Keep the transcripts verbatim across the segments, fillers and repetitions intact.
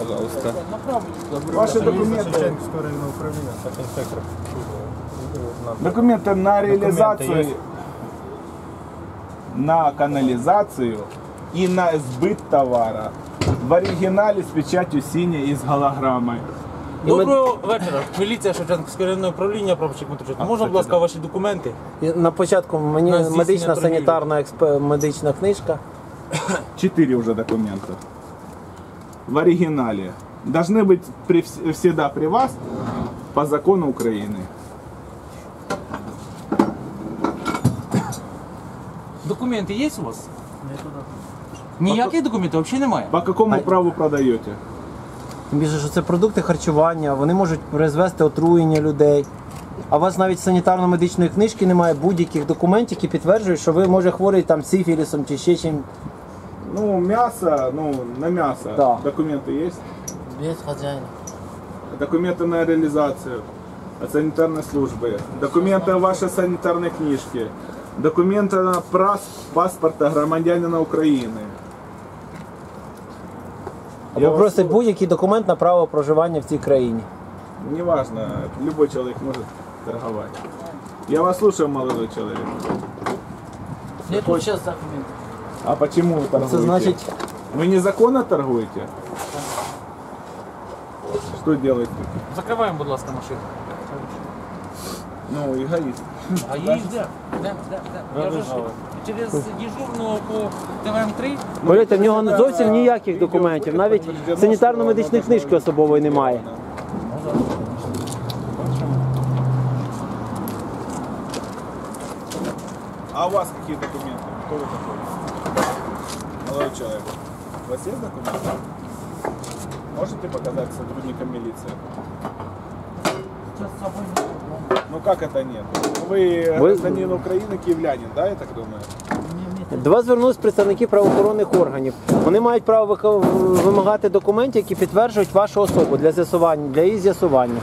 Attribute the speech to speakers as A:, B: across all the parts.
A: пожалуйста.
B: Ваши документы. Документы на реализацию, на канализацию и на сбыт товара. В оригинале с печатью синей и с голограммой.
C: Доброго вечора. Міліція Шевченківського районного управління, прапорщик Матушенко. Можна, будь ласка, ваші документи?
D: І на початку мені
C: На здійснення
D: медична
C: торгівлі.
D: санітарна експ... медична книжка.
B: Четыре уже документа. В оригинале. Должны быть при, всегда при вас по закону Украины.
C: Документи є у вас? Ніяких документів взагалі немає?
B: По какому
D: А-
B: праву продаете?
D: Тим більше, що це продукти харчування, вони можуть призвести отруєння людей. А у вас навіть санітарно-медичної книжки немає, будь-яких документів, які підтверджують, що ви, може, хворий там сифілісом чи ще чим.
B: Ну, мясо, ну, на мясо.
D: Да.
B: Документы есть?
E: Без хозяина.
B: Документы на реализацию от санитарной службы. Документы о вашей санитарной книжке. Документы на прас- паспорта громадянина Украины.
D: Або
B: Я вас
D: просить
B: слу-
D: будь-який документ на право проживання в цій країні.
B: Неважно, любой человек может торговать. Я вас слушаю, молодой человек.
E: Нет тут сейчас документов.
B: А почему вы торгуете?
D: Це значить,
B: Вы незаконно торгуете? Что делаете?
C: Закриваємо, будь ласка, машину.
B: Ну, эгоист.
C: А її де? Де? Де? Де? Я вже ж через дежурного по Т В М три.
D: повірте, в нього зовсім ніяких документів, навіть санітарно-медичної книжки особової немає.
B: А у вас какие документы? Кто вы такой? Молодой человек. У вас есть документы? Можете показать сотрудникам милиции?
E: Сейчас с собой нет.
B: Ну как это нет? Вы
D: Вы-
B: гражданин Украины, киевлянин, да, я так думаю?
D: До вас звернулись представники правоохоронних органів. Вони мають право вика- вимагати документів, які підтверджують вашу особу для з'ясування, для її з'ясування.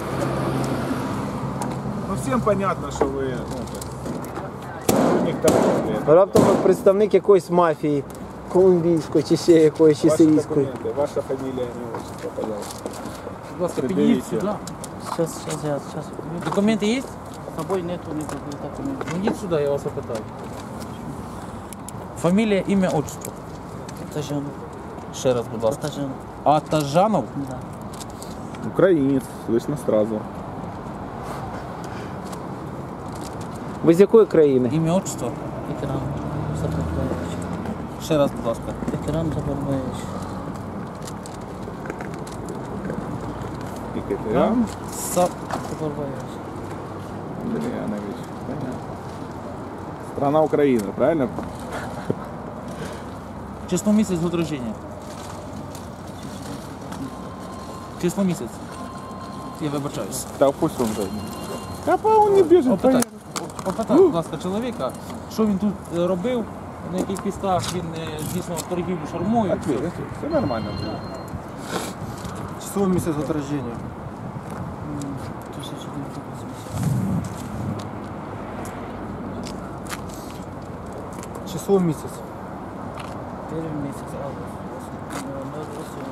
B: Ну всем понятно, что вы ну, так, сотрудник торговли.
D: Раптом ви представник якоїсь мафії, колумбійської чи ще якоїсь, чи
B: Ваши
D: сирійської.
B: документы, ваша фамилия, имя, отчество, пожалуйста.
C: Будь ласка,
B: Пред'явіть.
C: підійдіть сюди.
E: Сейчас, сейчас я, сейчас.
C: Документи є?
E: С собой нету никаких документов.
C: Ну йдіть сюди, я вас опитаю. Фамілія, ім'я, отчество.
E: Атажанов.
C: Ще раз, будь ласка.
E: Атажанов.
C: Атажанов?
E: Да.
B: Украинец, слышно сразу.
D: Ви з якої країни?
C: Ім'я, отчество.
E: Экран Забарбаевич.
C: Ще раз, будь ласка.
E: Экран Забарбаевич.
B: Екатерин
C: Са...
E: Забарбаевич.
B: Андреянович. Понятно. Страна Украина, правильно?
C: Число місяць год рождения. Число місяць. Я вибачаюсь.
B: Да пусть он же. Капа он не бежит.
C: Опитай, опитай, будь ласка, чоловіка, що він тут е, робив, на яких підставах він е, здійснював торгівлю шармою.
B: Ответь, ответь. Все нормально будет.
F: Число месяц от рождения.
E: тысяча девятьсот восемьдесят.
F: Число месяц.
E: Первый месяц август. ноль восемь.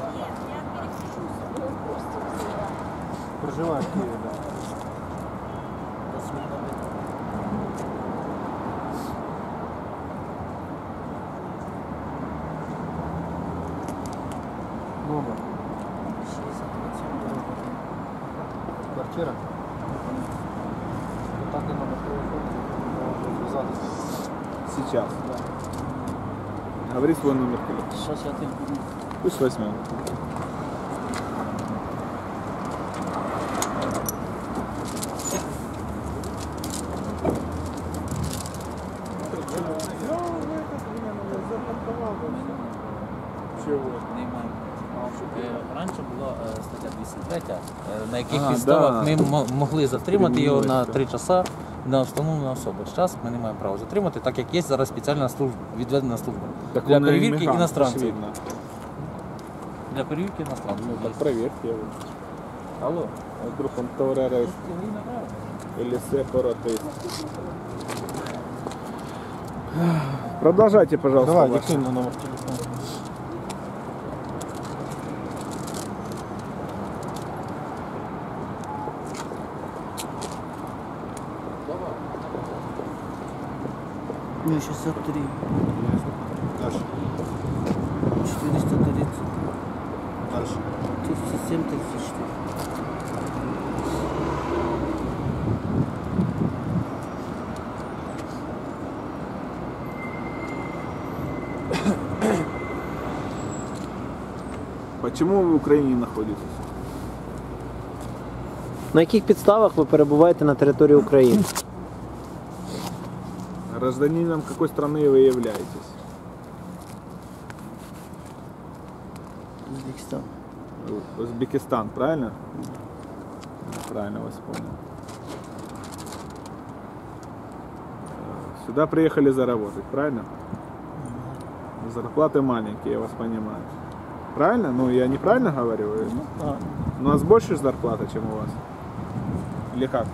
F: Проживаю в Киеве, да. Номер.
E: шестьдесят семь, дорога.
F: Квартира. Контактный номер телефона. Можно связаться.
B: Сейчас. Говори свой номер телефона.
E: Сейчас я телефон.
B: Пусть возьмем. Чего?
C: Е, Раніше була е, стаття двісті три, е, на яких
B: А,
C: підставах
B: да.
C: ми мо- могли затримати його на
B: Кримінується.
C: три часа на встановлену особу. Зараз ми не маємо права затримати, так як є зараз спеціальна служба, відведена служба для
B: он
C: перевірки
B: иммигрант,
C: іностранців.
B: очевидно.
C: Для перевірки іностранців.
B: Ну, так проверьте его.
C: Алло.
B: А вдруг он террорист или сепаратист. Продолжайте, пожалуйста.
F: Давай,
B: ваше.
F: диктуй мне номер телефона.
E: Ну, шестьдесят три.
F: Дальше.
E: четыреста тридцать.
F: Дальше.
E: тридцать семь, тридцать четыре.
B: Почему ви в Україні знаходитесь?
D: На яких підставах ви перебуваєте на території України?
B: Гражданином какой страны вы являетесь?
E: Узбекистан.
B: Узбекистан, правильно? Правильно вас понял. Сюда приехали заработать, правильно? Зарплаты маленькие, я вас понимаю. Правильно? Ну, я неправильно говорю?
E: А,
B: У нас больше зарплата, чем у вас? Или как?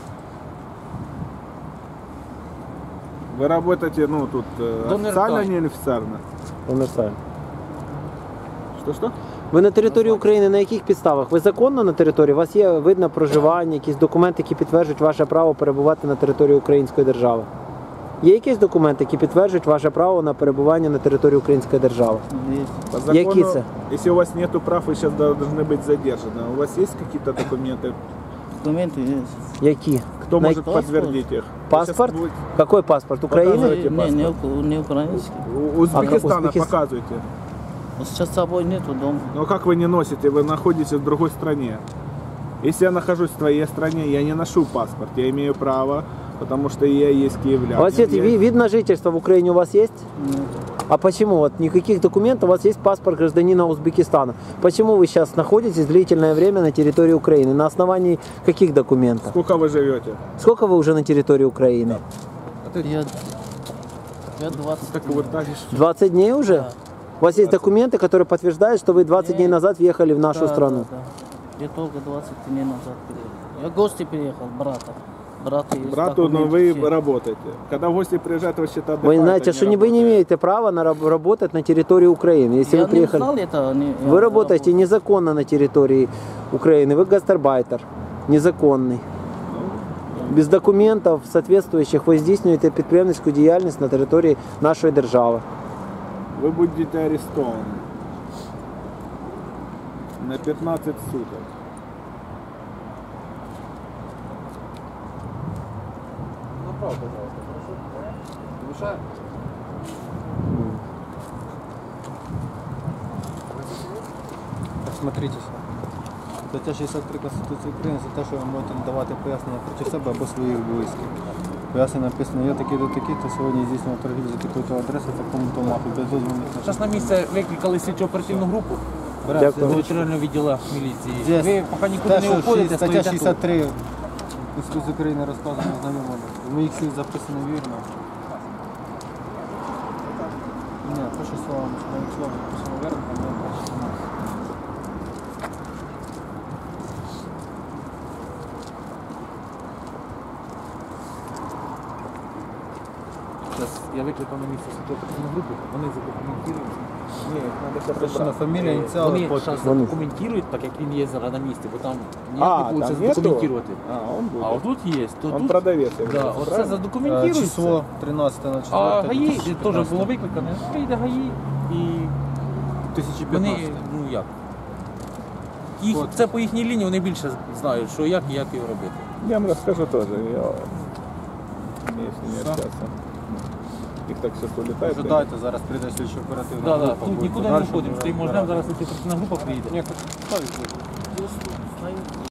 B: Вы работаете, ну, тут э,
C: Донор
B: официально,
C: так.
B: не официально?
D: Універсально.
B: Что-что?
D: Ви на території України на яких підставах? Ви законно на території? У вас є видно проживання, якісь документи, які підтверджують ваше право перебувати на території Української держави? Є якісь документи, які підтверджують ваше право на перебування на території Української держави?
E: есть.
B: По закону,
D: Какие це?
B: если у вас нету прав, вы сейчас должны быть задержаны. У вас есть какие-то документы?
E: Документы есть.
D: Які?
B: Кто
D: На
B: может
E: паспорт?
B: подтвердить их?
D: Паспорт?
B: Сейчас будет-
D: Какой паспорт? України?
B: Показывайте
E: Не, не,
B: паспорт.
E: ук- не украинский.
B: У Узбекистана
D: Узбекист-
B: показывайте.
E: Вот сейчас с собой нету дома.
B: Но как вы не носите? Вы находитесь в другой стране. Если я нахожусь в твоей стране, я не ношу паспорт. Я имею право, потому что я есть киевлянин.
D: У вас есть
B: Я-
D: ви- вид на жительство в Украине у вас есть?
E: Нет.
D: А почему? Вот никаких документов, у вас есть паспорт гражданина Узбекистана. Почему вы сейчас находитесь длительное время на территории Украины? На основании каких документов?
B: Сколько вы живете?
D: Сколько вы уже на территории Украины?
E: Я, я двадцать.
B: Так вот так.
D: двадцать дней уже?
E: Да.
D: У вас есть документы, которые подтверждают, что вы двадцать дней назад въехали в нашу
E: Да,
D: страну?
E: Да, да. Я только двадцать дней назад приехал. Я в гости приехал, брата. Брата есть
B: Брату, но
E: документы
B: вы
E: все.
B: работаете. Когда в гости приезжают, вы считаете,
D: Вы знаете, что не- вы не имеете права на раб- работать на территории Украины. Если
E: Я
D: вы приехали,
E: не знал это. Они, я
D: вы работаете
E: работал.
D: незаконно на территории Украины. Вы гастарбайтер, незаконный. Без документов соответствующих ви здійснюєте підприємницьку діяльність на території нашої держави.
B: Вы будете арестованы на пятнадцать суток.
F: Направо, пожалуйста, хорошо? Мешаю? Смотритесь. Стаття шістдесят три Конституції України за те, що ви можете надавати пояснення проти себе або своїх близьких. Пояснення написано, я такий до такий, то сьогодні здійснював торгівлю за такою-то адресою, такому-то мафі, без дозвільних
C: Зараз на місце викликали слідчо оперативну групу
D: Дякую.
C: до територіального відділу міліції.
F: Здесь
C: Ви поки нікуди
F: те,
C: не
F: що
C: уходите,
F: стаття
C: стоїте
F: шістдесят
C: тут.
F: три Конституції України розказано знайомими. В моїх слів записано вірно. Ні, перше слово, навіть слово записано вірно, а не перше слово.
C: Зараз я викликав на місце слідчо оперативну групу, вони задокументують.
B: Ні, надо сейчас
F: Точно, фамілія, ініціали,
C: Вони
F: подпис.
C: зараз
D: Вони.
C: задокументують, так як він є зараз на місці, бо там
B: А,
C: ніяк не
B: там
C: вийде
B: нету?
C: задокументувати.
B: А, он будет.
C: А отут є, то
B: Он
C: тут,
B: продавец. я
C: да,
B: говорю,
C: оце
B: правильно?
F: Е,
C: задокументується.
F: Число тринадцяте на
C: А
F: четверте
C: ГАІ теж
F: дві тисячі п'ятнадцяте.
C: було викликане, прийде ГАІ і
F: тисяча
C: вони,
F: п'ятнадцяте.
C: ну як, їх,
F: От.
C: це по їхній лінії, вони більше знають, що як і як його робити.
B: Я вам расскажу тоже. Я... Если не
F: Всё.
B: общаться. Их так сейчас улетает.
F: Ожидайте, зараз прийде слідчо оперативна
C: Да, да,
F: група.
C: тут
F: буде
C: нікуди не
F: подальше
C: входимо,
F: вже
C: стоїмо, ждемо,
F: розбиратися.
C: зараз оперативна група приїде.
F: Ні, ставить.